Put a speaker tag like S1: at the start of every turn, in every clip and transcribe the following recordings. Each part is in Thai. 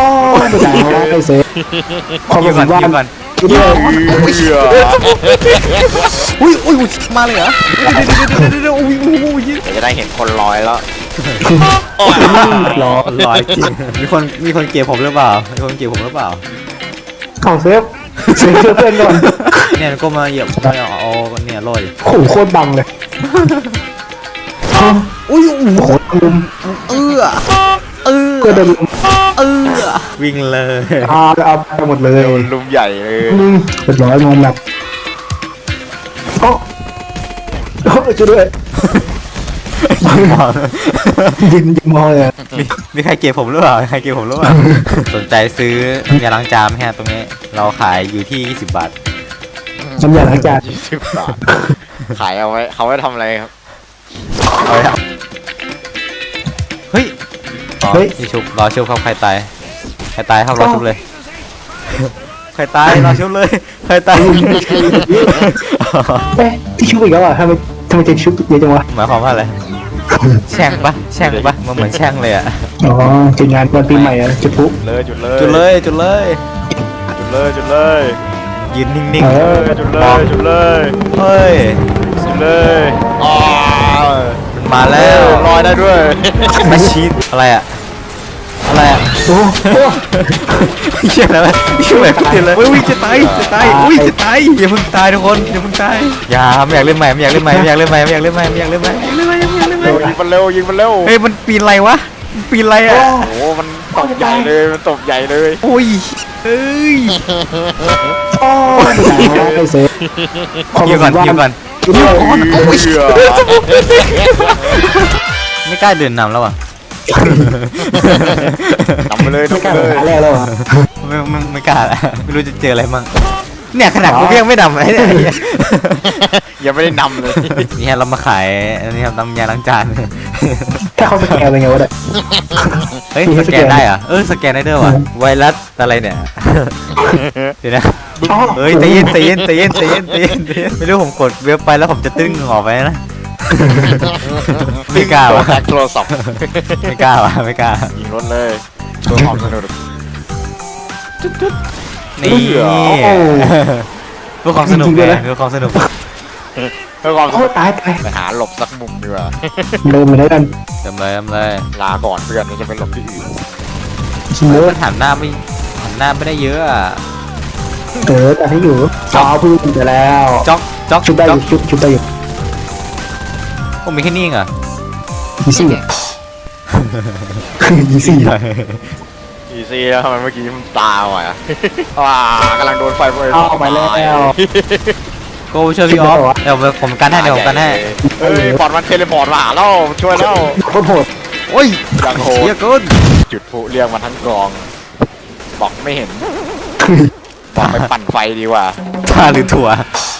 S1: ไม่ได้ไม่เซฟความ
S2: ยิง
S1: รู้
S2: ก่
S1: สึ
S2: อน
S1: กว่า
S2: ยิงก่อน
S3: อุ้ย
S2: อุ้ยมาเลยเหรอเดี๋ยวอุ้ยยิง
S3: เดี๋ยวจะได้เห็นคนลอยแล้ว
S1: ร้อยจริง
S2: มีคนเกลียดผมหรือเปล่ามีคนเกลียดผมหรือเปล่า
S1: ของเซฟเซฟเพื่อนก่อน
S2: เนี่ยก็มาเหยียบเอาเนี่ยลอย
S1: โอ้โหโคตรบังเลย
S2: อุ้ย
S1: โอ้โหลุมก็โดน
S2: วิ่งเลย
S1: เอาไปหมดเลย
S3: โดนลุมใหญ่เลย
S1: เป็นร้อยงงแบบโอ้ช่วยด้วยยิงมองเลย
S2: มีใครเกลียดผมหรือเปล่าใครเกลียดผมหรือเปล่าสนใจซื้อยาล้างจานไหมฮะตรงนี้เราขายอยู่ที่20 บาท
S1: น้ำยาล้างจาน
S3: 20 บาทขายเอาไว้เขาไว้ทำอะไรครับ
S2: เอาเลยครับเฮ้ยนี่ชุบรอชุบครับใครตายครับรอชุบเลยใครตายรอชุบเลยใครตาย
S1: เอ๊ะที่ชุบอีกแล้วอ่ะทำไมจะชุบเยอะจังวะ
S2: หมายความว่าอะไรแช่งปะมันเหมือนแช่งเลยอะ
S1: อ๋อจุดงานวันปีใหม่อ่ะจุดพลุ
S3: จุดเลย
S2: จุดเลย
S3: จุดเลย
S2: ยืนนิ่ง
S3: จุดเลย
S2: ๆเฮ้ย
S3: จุดเลยอ๋อ
S2: มันมาแล้ว
S3: ลอยได้ด้วย
S2: มาชีดอะไรอะ
S1: โอ้โห
S2: เชี่ยอะไรเชี่ยแบบติดเลยอุ้ยจะตายอุ้ยจะตายอย่าเพิ่งตายทุกคนอย่าเพิ่งตายอย่าไม่อยากเล่นใหม่ไม่อยากเล่นใหม่
S3: ยิงมันเร็ว
S2: เฮ้ยมันปีนอะไรวะปีนอะไรอะ
S3: โอ้มันตบใหญ่เลย
S2: โอ้ยเอ้ย
S1: โอ้ไม่เซฟ
S2: ยิงก่อนโอ้ยไม่กล้าเดินนำแล้วอ่ะ
S3: ทำไปเลย
S1: ไม่กล้าหาแรกแล้วอ่ะ
S2: ไม่กล้าละไม่รู้จะเจออะไรมั่งเนี่ยขนาดกูยังไม่ดำเลยเนี่ย
S3: ยังไม่ได้นำเลย
S2: นี่ฮะเรามาขายอันนี้ครับน้ำยาล้างจาน
S1: ถ้าเขาสแกนเป็นไงวะเนี่ย
S2: เฮ้ยสแกนได้เหรอสแกนได้ด้วยว่ะไวรัสอะไรเนี่ยเดี๋ยวนะเฮ้ยใจเย็นไม่รู้ผมกดเว็บไปแล้วผมจะตึ้งออกไปนะไม่กล้า
S3: ตัว
S2: ว่ะ
S3: แฮกโทรศัพท์
S2: ไม่กล้า
S3: ยิงรถเลยตัวความสนุก
S2: นี่เพื่อความสนุกไงเพื่อความสนุก
S3: เพื่อความส
S1: โอ้
S3: นุก
S1: ตาย
S3: ไปหาหลบสักมุมดีกว่า
S1: เดินมาได้กัน
S2: เต็มเลย
S3: ลาก่อนเพื่อนจะไปหลบที่อื่น
S1: ชิมเล
S2: มันหันหน้าไม่ได้เยอะอ่ะ
S1: แต่ให้อยู่จอพึ่งจะแล้ว
S2: จ็อก
S1: ชุบได้อยู่ชุบได้อยู่
S2: ผมมีแค่นี้เหรอ
S1: ยีซี่ยีซี่
S3: อีซี่แล้วทำไมเมื่อกี้มันตาว่ะกำลังโดนไฟเผย
S1: เอาไปแล้ว
S2: โกช่วยพี่ออฟเดี๋ยวผมกันให้
S3: เฮ้ยพอร์ตมันเทเลพอร์ตมาแล้วช่วยแล้ว
S1: โคตรโหด
S2: โอ้ย
S3: อย่างโห
S2: เย
S3: ด
S2: อะเกิน
S3: จุดพลุเรียกมาทั้งกองบอกไม่เห็นบอกไปปั่นไฟดีกว่า
S2: ชาหรือถั่ว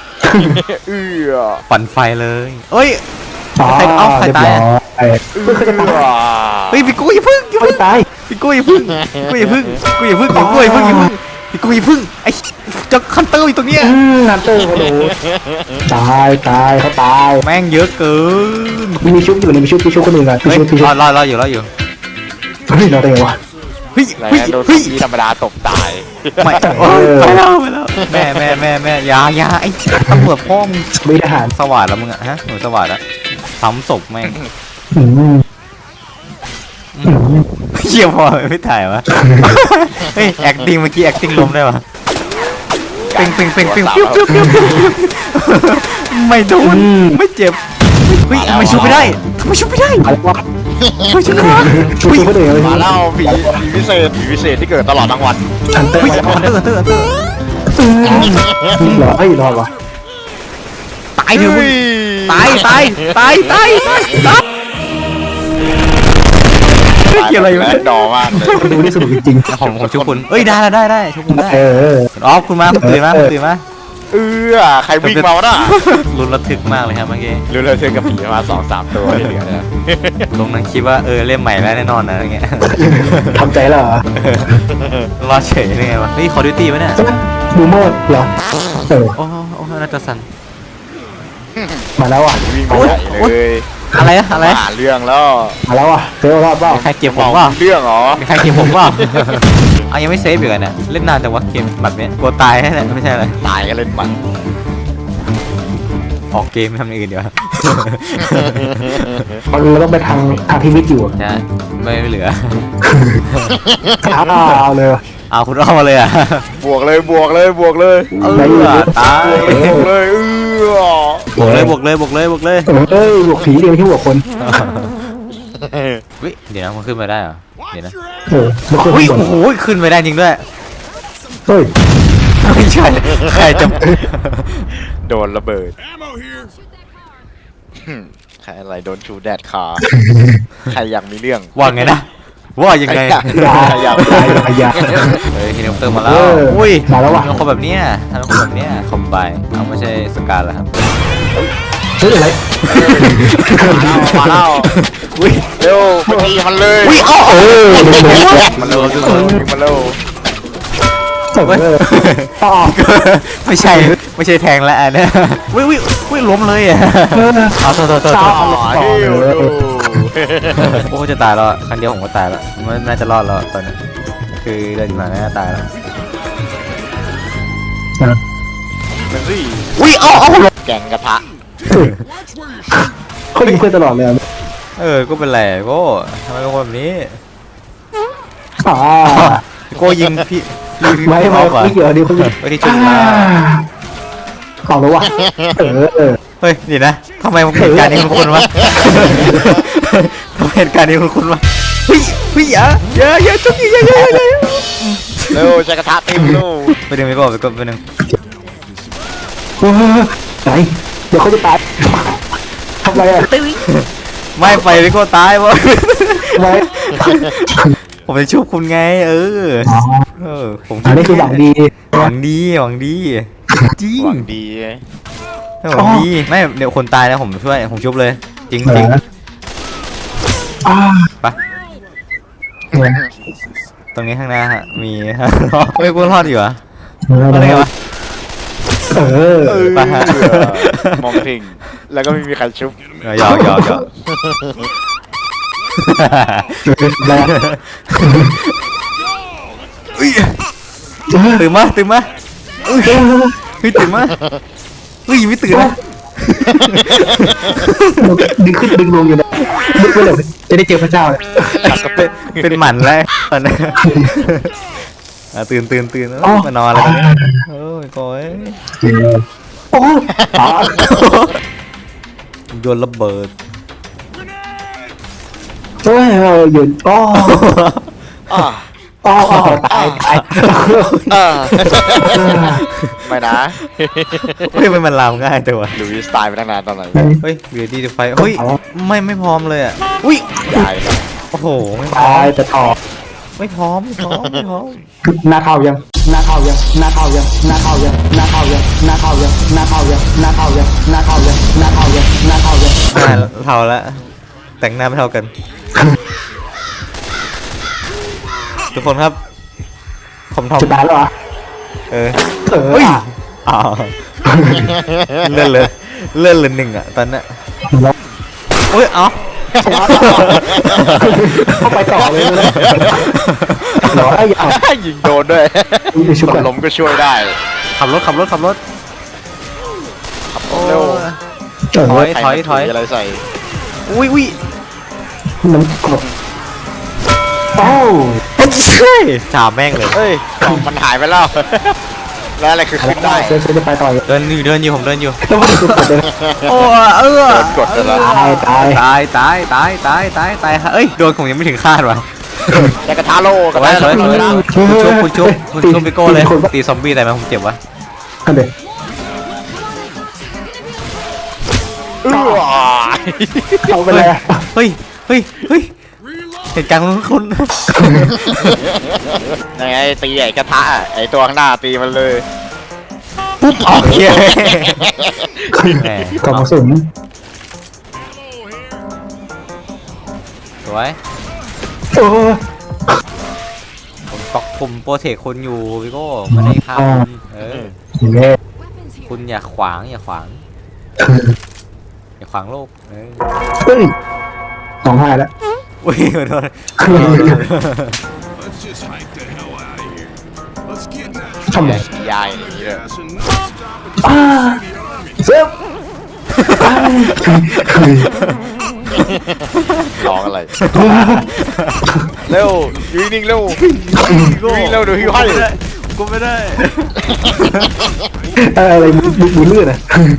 S2: ปั่นไฟเลยเอ้ย ใครตายอ่ะ เฮ้ยพี่กุ้ยพึ่ง
S1: ไม่ตาย
S2: พี่กุ้ยพึ่งพี่กุ้ยพึ่งไอ้จ็อกคันเตอร์อยู่ตรงเนี้ย
S1: นันเตอร์โอ้โหตายเขาตาย
S2: แม่งเยอะเกิน
S1: มีชุบอยู่เลยมีชุบคนอื่นกัน
S2: เฮ้ย
S1: ชุบ
S2: รออยู่
S1: เฮ้ยเราได้ไงวะ
S2: เฮ้ย
S3: แล้วโดน
S2: เฮ้ย
S3: ทีธรรมดาตบตาย
S2: ไม่ไปแล้วแม่อยาไอ้ตำรวจพ่อมึง
S1: ไม่ทหาร
S2: สวัสดแล้วมึงอะฮะหนูสวัสดแล้วซ้ำศพแม่ง เชี่ยพอไม่ถ่ายวะเฮ้ยแอคติ้งเมื่อกี้แอคติ้งล้มได้ปะปิงไม่โดนไม่เจ็บเฮ้ยทำไมชุบไม่ได้
S1: อะไรวะ
S2: ไม่ชุบไม่ได้
S1: ชุบคนอื่นเลย
S3: มาแล้วผีพิเศษที่เกิดตลอดทั้งวัน
S1: นันเตอร์
S2: เฮ้ยอันเตอร์
S1: รอรอวะ
S2: ตายเถอะมึงตายเกี่ยวอะไรวะ
S3: ดอมากเลย
S1: ดูนี่สนุกจริง
S2: ของชุบคุณเอ้ยได้ชุบคุณได้
S1: ๆ
S2: อ๋อคุณมาตื่นมา
S3: ใครวิ่งมาวะน่ะ
S2: ลุ้นระทึกมากเลยครับเมื่อกี้
S3: รู้เลยเจอกับผีมา2-3 ตัวที่เหลือเนี่ย
S2: ลงนั้นคิดว่าเล่มใหม่แล้วแน่นอนนะอะไรเงี้ย
S1: ทำใจแล้วเหรอ
S2: รอเฉยได้ไงวะนี่คอร์ดิวตี้ไหมเนี่ย
S1: บูโมดเหรอ
S2: โอ้น่าจะสั่น
S1: มาแล้วอ่ะ
S3: วิ่งมาใหญ่เลย
S2: อะไรอะอะไร
S3: หาเรื่องแล้ว
S1: มาแล้วอ่ะเซลรอดเปล่า
S2: มีใครเก็บผมเปล่า
S3: เรื่องเหรอ
S2: มีใครเก็บผมเปล่า เอายังไม่เซฟอยู่กันเนี่ยเล่นนานจังวะเกมแบบเนี้ยกลัวตายแน่ๆไม่ใช่อะไร
S3: ตายกันเล่นมัน
S2: ออกเกมทำอย่างอื่นเดี๋ยว
S1: เราต้องไปทางพิมิตอยู่
S2: ใช่ไม่เหลือ
S1: เอาเลย
S2: เอาคุณเอามาเลยอ่ะ
S3: บวกเลยบวกเลยบวกเลย
S2: ตาย
S3: บวกเลย
S2: บวกเลยบวกเลยบวกเลยบวกเลย
S1: เอ้ยบวกผีเดียวที่บวกคน
S2: วิเดี๋ยวนะมันขึ้นมาได้เหรอเดี๋ยวนะ
S1: มันคน
S2: อุ้ย
S1: บน
S2: โอ้โหขึ้นไปได้จริงด้วย
S1: เฮ้ย
S2: ไม่ใช่ใครจะ
S3: โดนระเบิดใครอะไรโดนชูแดดขาใครอยากมีเรื่อง
S2: ว่าไงนะว่ายังไง
S3: ใครอยาก
S1: ยา
S2: เฮ้ยเฮลิคอปเตอร์มาแล้ว อุ้ย
S1: มาแล้ววะ
S2: ทำคนแบบเนี้ยทำคนแบบเนี้ยคอมไบเอาไม่ใช่สกาแล้วครับ
S1: เฮ้ยอะไร
S3: มาแล้ว
S2: อุ้ย
S3: เร็วไปตีมันเลย
S2: อุ้ยเอ้า
S3: มันเร็วมันเร็ว
S1: ต่อ
S2: ไม่ใช่ไม่ใช่แทงแล้วอันเนี้ยอุ้ยอุ้ยอุ้ยล้มเลยอ่ะเอาโทษ
S3: ต่
S2: โทษ
S3: อเร็ว
S2: โอ้จะตายแล้วครั้งเดียวผมก็ตายแล้วมันน่าจะรอดแล้วตอนนี้คือเดินมาน่าจะตายแล้ว
S3: มันสิ
S2: อุ้ยเอ้า
S3: แกงกระทะ
S1: เขายิงเพื่อนตลอดเลย
S2: ก็เป็นไรโก้ทำไมเป็นคนแบบนี้ โก้ยิงพี่
S1: ไม่เกี่ยวดีคน
S2: ไปที่จุดมา
S1: เอาแล้ววะ
S2: เฮ้ยเดี๋ยวนะทำไมเหตุการณ์นี้คุณวะทำไมเหตุการณ์นี้คุณวะเฮ้ยเฮ้ยอย่าจุกอย่า
S3: เร็วใช้กระทะตีมลูก
S2: ไปดึงไปก่อนไปดึง
S1: ไหนเดี๋ยวเขาจะตายทำไรอ่ะ
S2: ไม่ไปไปก็ตายวะ
S1: ไว้
S2: ผมจะชุบคุณไงผม
S1: อันนี้คือหวังดี
S2: หวังดีจริง
S3: หวังดี
S2: หวังดีไม่เดี๋ยวคนตายนะผมช่วยผมชุบเลยจริงไปตรงนี้ข้างหน้าฮะมีไม่กูรอดอยู่เหรออะไรวะไปฮะ
S3: มองทิ้งแล้วก็ไม่มีใครชุบ
S2: หยอกตื่นมาเฮ้ยตื่นมาเฮ้ยไม่ตื่นนะ
S1: ดึงขึ้นดึงลงอยู่นะดึงไปเลยจะได้เจอพระเจ้าเลย
S2: เป็นหมันแล้วตอนนี้ตื่นมานอนแล้วโอ้ยก้อย
S1: โอ้
S2: โยนระเบิด
S1: เฮ้ยหยุดอ๋อตาย
S3: ไม่นะ
S2: เฮ้ยมันลามง่ายแต่ว่า
S3: ลุยสไตล์ไปตั้งนานตอนไหน
S2: เฮ้ยเบียร์ดีไฟเฮ้ยไม่พร้อมเลยอ่ะอุ้ย
S3: ตายแล้ว
S2: โอ้โห
S1: ตายแต่ต่อ
S2: ไม่พร้อม
S1: หน้าเท่ายังหน้าเท่ายังหน้าเท่ายังหน้าเท่ายังหน้าเท่ายังหน้าเท่ายังหน้าเท่ายังหน้าเท่ายังหน้าเท่ายังหน้าเท่ายังหน้าเท่ายัง
S2: เท่าแล้วแต่งหน้าไม่เท่ากันทุกคนครับผมทำ
S1: จะตายแล้วเหรอ
S2: เฮ้ยอ้าวเลื่อนเลยหนึ่งอ่ะตอนนั้นเฮ้ยเอา
S1: เข้าไปต่อเลยนะหรอไอ้ยา
S3: ยิงโดนด้วย
S1: ชุบ
S3: คนล้มก็ช่วยได้
S2: ขับรถ
S3: ขับเร็ว
S2: ถอย
S3: อะไรใส่
S2: อุ้ย
S1: น้ำกรดโอ้
S2: จาแม่งเลย
S3: เฮ้ยมันหายไปแล้วแล้วอะไรคือขึ้นได้
S1: เซจะไปต่อ
S2: เดินอยู่ผมเดินอยู่
S1: ต้องไปดูกดเลย
S2: โอ้
S3: โดนกดแล้ว
S1: ตาย
S2: ตายเอ้ยโดนผมยังไม่ถึงคาดว่ะ
S3: แต่กระทะโลกับ
S2: สวยคุณชุบไปโก้เลยตีซอมบี้แต่มันผมเจ็บวะ
S1: กันเลย เอาไปเลย
S2: เฮ้ยเหตุการณ์ของคุณ
S3: ไงตีไอ้กระทะไอ้ตัวข้างหน้าตีมันเลย
S2: ปุ๊บโอเค
S1: กล่องกระสุน
S2: สวย
S1: โอ้
S2: ผมโปรเทคคนอยู่พี่โก้ไม่ได้ฆ่าคุณ
S1: ยเล่
S2: คุณอย่าขวางอย่าขวางโลก
S1: เฮ้ย2-5แล้ว
S2: อุ้ยขอโทษ
S4: Let's just hike the hell out of here. Let's get that
S1: ทำไม
S3: ยายอย่างนี้เลย
S4: ass and stop it.
S1: อ้า
S4: The army.
S1: เซฟอ้า
S3: ร้องอะไร เร็วอยู่นิ่งๆเร็ววิ่งเร็วเดี๋ยวหิวให้
S2: กูไม่ได้
S1: อะไรมือเลื่อนอ่ะ